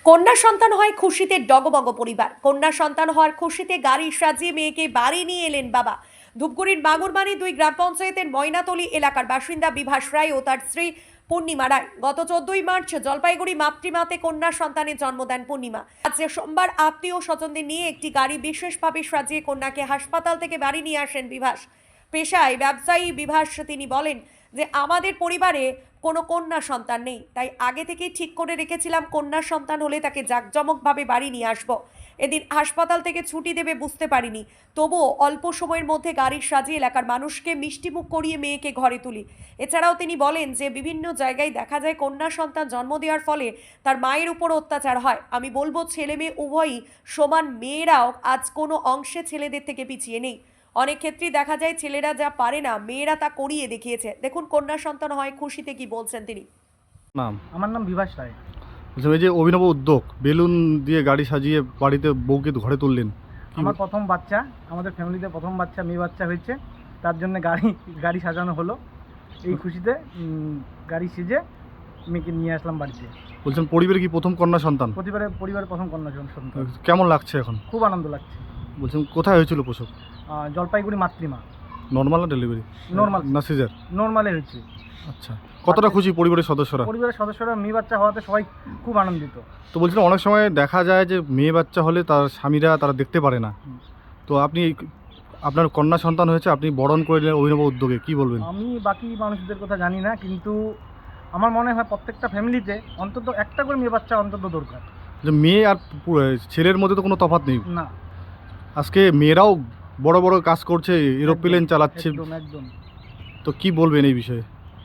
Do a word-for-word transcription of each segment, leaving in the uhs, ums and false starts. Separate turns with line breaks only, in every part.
কন্যা সন্তান হয় খুশিতে ডগমগ পরিবার। কন্যা সন্তান হওয়ার খুশিতে গাড়ি সাজিয়ে মেয়েকে বাড়ি নিয়ে এলেন বাবা। ধূপগুড়ির বাগুরবাড়ি দুই গ্রাম পঞ্চায়েতের ময়নাতলী এলাকার বাসিন্দা বিভাস রায় ও তার স্ত্রী পূর্ণিমা রায় গত চোদ্দই মার্চ জলপাইগুড়ি মাতৃমাতে কন্যা সন্তানের জন্ম দেন পূর্ণিমা। আজ সোমবার আত্মীয় স্বজনদের নিয়ে একটি গাড়ি বিশেষভাবে সাজিয়ে কন্যাকে হাসপাতাল থেকে বাড়ি নিয়ে আসেন বিভাস। পেশায় ব্যবসায়ী বিভাস, তিনি বলেন যে আমাদের পরিবারে কোনো কন্যা সন্তান নেই, তাই আগে থেকেই ঠিক করে রেখেছিলাম কন্যা সন্তান হলে তাকে জাঁকজমকভাবে বাড়ি নিয়ে আসবো। এদিন হাসপাতাল থেকে ছুটি দেবে বুঝতে পারিনি, তবুও অল্প সময়ের মধ্যে গাড়ি সাজিয়ে এলাকার মানুষকে মিষ্টিমুখ করিয়ে মেয়েকে ঘরে তুলি। এছাড়াও তিনি বলেন যে বিভিন্ন জায়গায় দেখা যায় কন্যা সন্তান জন্ম দেওয়ার ফলে তার মায়ের উপর অত্যাচার হয়। আমি বলবো ছেলে মেয়ে উভয়ই সমান, মেয়েরাও আজ কোনো অংশে ছেলেদের থেকে পিছিয়ে নেই। অনেক ক্ষেত্রেই দেখা যায় ছেলেরা যা পারে না মেয়েরা তা করিয়ে দেখিয়েছে। দেখুন কন্যা সন্তান হয় খুশিতে কি বলছেন তিনি।
নাম
আমার নাম বিভাস রায়।
বলছি এই যে অভিনব উদ্যোগ, বেলুন দিয়ে গাড়ি সাজিয়ে বাড়িতে বউকে ঘরে তুললেন।
আমার প্রথম বাচ্চা, আমাদের ফ্যামিলিতে প্রথম বাচ্চা মেয়ে বাচ্চা হয়েছে, তার জন্য গাড়ি গাড়ি সাজানো হলো। এই খুশিতে উম, গাড়ি সেজে মেয়েকে নিয়ে আসলাম বাড়িতে।
বলছেন পরিবারে কি প্রথম কন্যা সন্তান?
পরিবারের পরিবারের প্রথম কন্যা সন্তান।
কেমন লাগছে এখন?
খুব আনন্দ লাগছে।
বলছেন কোথায় হয়েছিল প্রসব?
আহ, জলপাইগুড়ি মাতৃমা।
নর্মাল না ডেলিভারি?
নর্মাল
না সিজার?
নর্মালে হয়েছে।
আচ্ছা, কতটা খুশি পরিবারের সদস্যরা?
পরিবারের সদস্যরা মেয়ে বাচ্চা হওয়াতে সবাই খুব আনন্দিত।
তো বলছিলাম অনেক সময় দেখা যায় যে মেয়ে বাচ্চা হলে তার স্বামীরা তারা দেখতে পারে না, তো আপনি আপনার কন্যা সন্তান হয়েছে, আপনি বরণ করে নিলেন অভিনব উদ্যোগে, কি বলবেন?
আমি বাকি মানুষদের কথা জানি না, কিন্তু আমার মনে হয় প্রত্যেকটা ফ্যামিলিতে অন্তত একটা করে মেয়ে বাচ্চা অন্তত দরকার।
যে মেয়ে আর পু- ছেলের মধ্যে তো কোনো তফাৎ নেই।
না,
আজকে মেয়েরাও বড় বড় কাজ করছে, এরোপ্লেন চালাচ্ছে,
একদম একদম।
তো কি বলবেন এই বিষয়ে?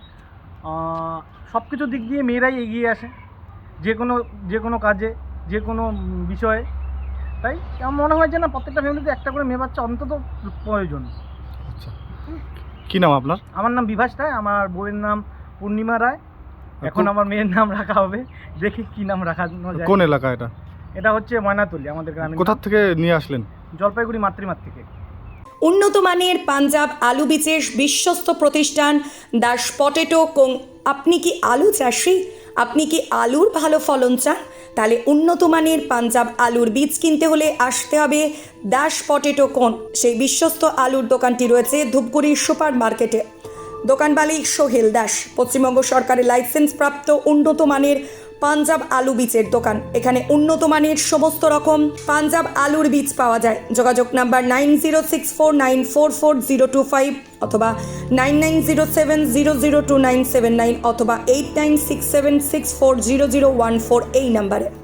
সব কিছু দিক দিয়ে মেয়েরাই এগিয়ে আসে, যে কোনো যে কোনো কাজে, যে কোনো বিষয়ে। তাই আমার মনে হয় যে না, প্রত্যেকটা ফ্যামিলিতে একটা করে মেয়ে বাচ্চা অন্তত প্রয়োজন।
আচ্ছা, কি নাম আপনার?
আমার নাম বিভাস রায়, আমার বউয়ের নাম পূর্ণিমা রায়। এখন আমার মেয়ের নাম রাখা হবে, দেখি কি নাম রাখা যায়।
কোন এলাকা এটা?
এটা হচ্ছে ময়নাতলী, আমাদের গ্রামে।
কোথা থেকে নিয়ে আসলেন?
জলপাইগুড়ি মাতৃমাত থেকে।
উন্নত মানের পাঞ্জাব আলু বীজের বিশ্বস্ত প্রতিষ্ঠান দাস পটেটো কোং। আপনি কি আলু চাষি? আপনি কি আলুর ভালো ফলন চান? তাহলে উন্নত মানের পাঞ্জাব আলুর বীজ কিনতে হলে আসতে হবে দাস পটেটো কোন। সেই বিশ্বস্ত আলুর দোকানটি রয়েছে ধূপগুড়ির সুপার মার্কেটে। দোকান মালিক সোহেল দাস, পশ্চিমবঙ্গ সরকারের লাইসেন্স প্রাপ্ত উন্নত মানের পাঞ্জাব আলু বীজের দোকান। এখানে উন্নত মানের সমস্ত রকম পাঞ্জাব আলুর বীজ পাওয়া যায়। যোগাযোগ number nine zero six four nine four four zero two five অথবা nine nine zero seven zero zero two nine seven nine অথবা eight nine six seven six four zero zero one four এই নাম্বারে।